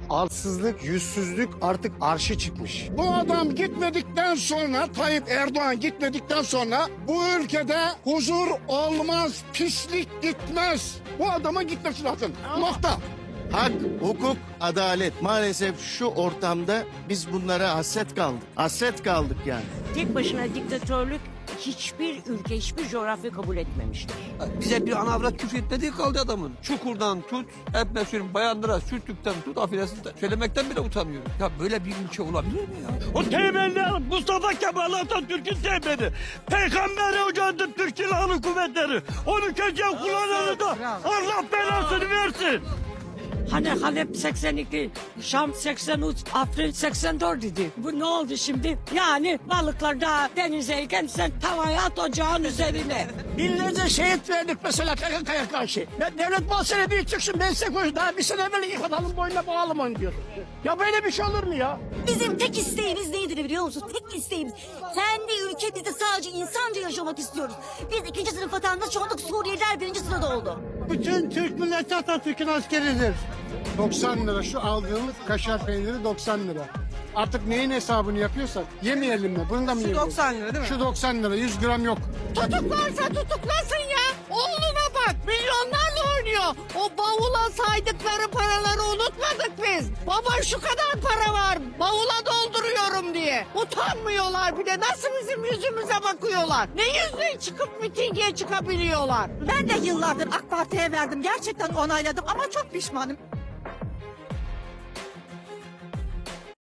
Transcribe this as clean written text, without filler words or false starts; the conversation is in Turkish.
arsızlık, yüzsüzlük artık arşa çıkmış. Bu adam gitmedikten sonra, Tayyip Erdoğan gitmedikten sonra bu ülkede huzur olmaz, pislik gitmez. Bu adama gitmesi lazım. Nokta. Hak, hukuk, adalet. Maalesef şu ortamda biz bunlara hasret kaldık. Hasret kaldık yani. Tek başına diktatörlük hiçbir ülke, hiçbir coğrafya kabul etmemiştir. Bize bir ana avrat küfür etmediği kaldı adamın. Çukurdan tut, hep söyleyeyim bayanlara sürtükten tut, affedersin söylemekten bile utanıyorum. Ya böyle bir ülke olabilir mi ya? O temeller Mustafa Kemal Atatürk'ün temeli. Peygamberi hocadı Türk Silahlı Kuvvetleri. Onu köşeye kullananı da Allah belasını versin. Hani Halep 82, Şam 83, Afrin 84 idi. Bu ne oldu şimdi? Yani balıklar daha denizdeyken sen tavaya at ocağın üzerine. Binlerce şehit verdik mesela KKK'ya karşı. Devlet Bahçeli çıksın ben size koyayım. Daha bir sene evvel ilk adamın boynuna bağlım onu diyor. Ya böyle bir şey olur mu ya? Bizim tek isteğimiz nedir biliyor musun? Tek isteğimiz kendi ülkemizde sadece insanca yaşamak istiyoruz. Biz ikinci sınıf vatandaş olduk, Suriyeliler birinci sırada oldu. Bütün Türk milleti Atatürk'ün askeridir. 90 lira şu aldığımız kaşar peyniri 90 lira. Artık neyin hesabını yapıyorsak yemeyelim mi? Bunu da mı yiyelim? 90 lira değil mi? Şu 90 lira 100 gram yok. Tutuklarsa tutuklasın ya. Oğluna bak milyonlarla oynuyor. O bavula saydıkları paraları unutmadık biz. Baba şu kadar para var bavula dolduruyorum diye. Utanmıyorlar bir de nasıl bizim yüzümüze bakıyorlar. Ne yüzle çıkıp mitinge çıkabiliyorlar. Ben de yıllardır AK Parti'ye verdim. Gerçekten onayladım ama çok pişmanım.